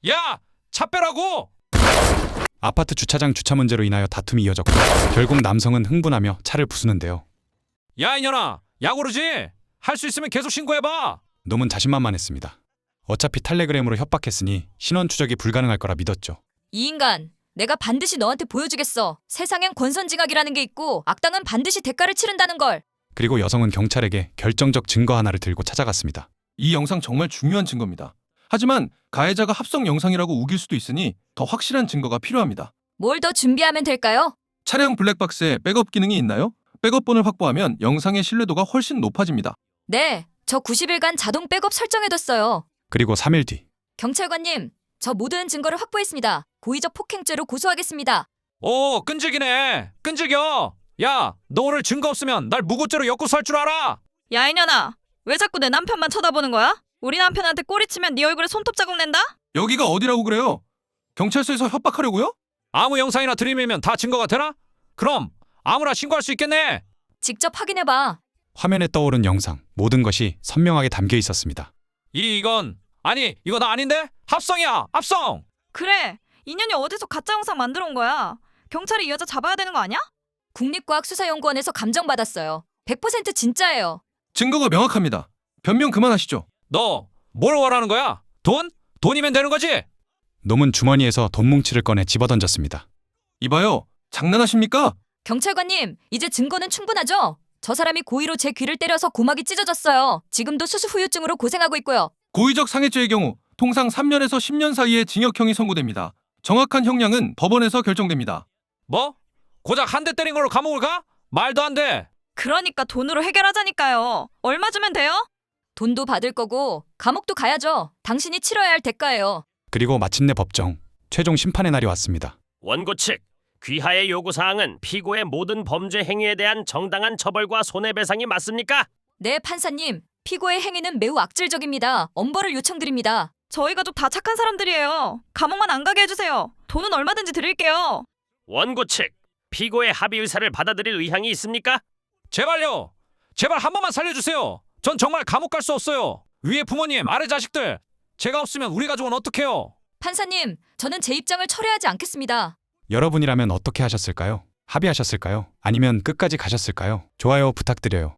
야! 차 빼라고! 아파트 주차장 주차 문제로 인하여 다툼이 이어졌고 결국 남성은 흥분하며 차를 부수는데요. 야 이년아! 야구르지? 할 수 있으면 계속 신고해봐! 놈은 자신만만했습니다. 어차피 탈레그램으로 협박했으니 신원 추적이 불가능할 거라 믿었죠. 이 인간, 내가 반드시 너한테 보여주겠어. 세상엔 권선징악이라는 게 있고 악당은 반드시 대가를 치른다는 걸. 그리고 여성은 경찰에게 결정적 증거 하나를 들고 찾아갔습니다. 이 영상 정말 중요한 증거입니다. 하지만 가해자가 합성 영상이라고 우길 수도 있으니 더 확실한 증거가 필요합니다. 뭘 더 준비하면 될까요? 차량 블랙박스에 백업 기능이 있나요? 백업본을 확보하면 영상의 신뢰도가 훨씬 높아집니다. 네, 저 90일간 자동 백업 설정해뒀어요. 그리고 3일 뒤 경찰관님, 저 모든 증거를 확보했습니다. 고의적 폭행죄로 고소하겠습니다. 오 끈질기네! 끈질겨! 야! 너 오늘 증거 없으면 날 무고죄로 엮고서 할 줄 알아! 야 이년아, 왜 자꾸 내 남편만 쳐다보는 거야? 우리 남편한테 꼬리치면 네 얼굴에 손톱 자국 낸다? 여기가 어디라고 그래요? 경찰서에서 협박하려고요? 아무 영상이나 들이밀면 다 증거가 되나? 그럼 아무나 신고할 수 있겠네! 직접 확인해봐. 화면에 떠오른 영상 모든 것이 선명하게 담겨 있었습니다. 이건 아니 이거 나 아닌데? 합성이야! 합성! 그래, 이년이 어디서 가짜 영상 만들어 온 거야? 경찰이 이 여자 잡아야 되는 거 아니야? 국립과학수사연구원에서 감정받았어요. 100% 진짜예요. 증거가 명확합니다. 변명 그만하시죠. 너 뭘 원하는 거야? 돈? 돈이면 되는 거지? 놈은 주머니에서 돈 뭉치를 꺼내 집어던졌습니다. 이봐요. 장난하십니까? 경찰관님, 이제 증거는 충분하죠? 저 사람이 고의로 제 귀를 때려서 고막이 찢어졌어요. 지금도 수수 후유증으로 고생하고 있고요. 고의적 상해죄의 경우 통상 3년에서 10년 사이의 징역형이 선고됩니다. 정확한 형량은 법원에서 결정됩니다. 뭐? 고작 한 대 때린 걸로 감옥을 가? 말도 안 돼! 그러니까 돈으로 해결하자니까요. 얼마 주면 돼요? 돈도 받을 거고 감옥도 가야죠. 당신이 치러야 할 대가예요. 그리고 마침내 법정 최종 심판의 날이 왔습니다. 원고 측 귀하의 요구사항은 피고의 모든 범죄 행위에 대한 정당한 처벌과 손해배상이 맞습니까? 네, 판사님. 피고의 행위는 매우 악질적입니다. 엄벌을 요청드립니다. 저희 가족 다 착한 사람들이에요. 감옥만 안 가게 해주세요. 돈은 얼마든지 드릴게요. 원고 측 피고의 합의 의사를 받아들일 의향이 있습니까? 제발요! 제발 한 번만 살려주세요! 전 정말 감옥 갈 수 없어요! 위에 부모님, 아래 자식들! 제가 없으면 우리 가족은 어떡해요? 판사님, 저는 제 입장을 철회하지 않겠습니다. 여러분이라면 어떻게 하셨을까요? 합의하셨을까요? 아니면 끝까지 가셨을까요? 좋아요 부탁드려요.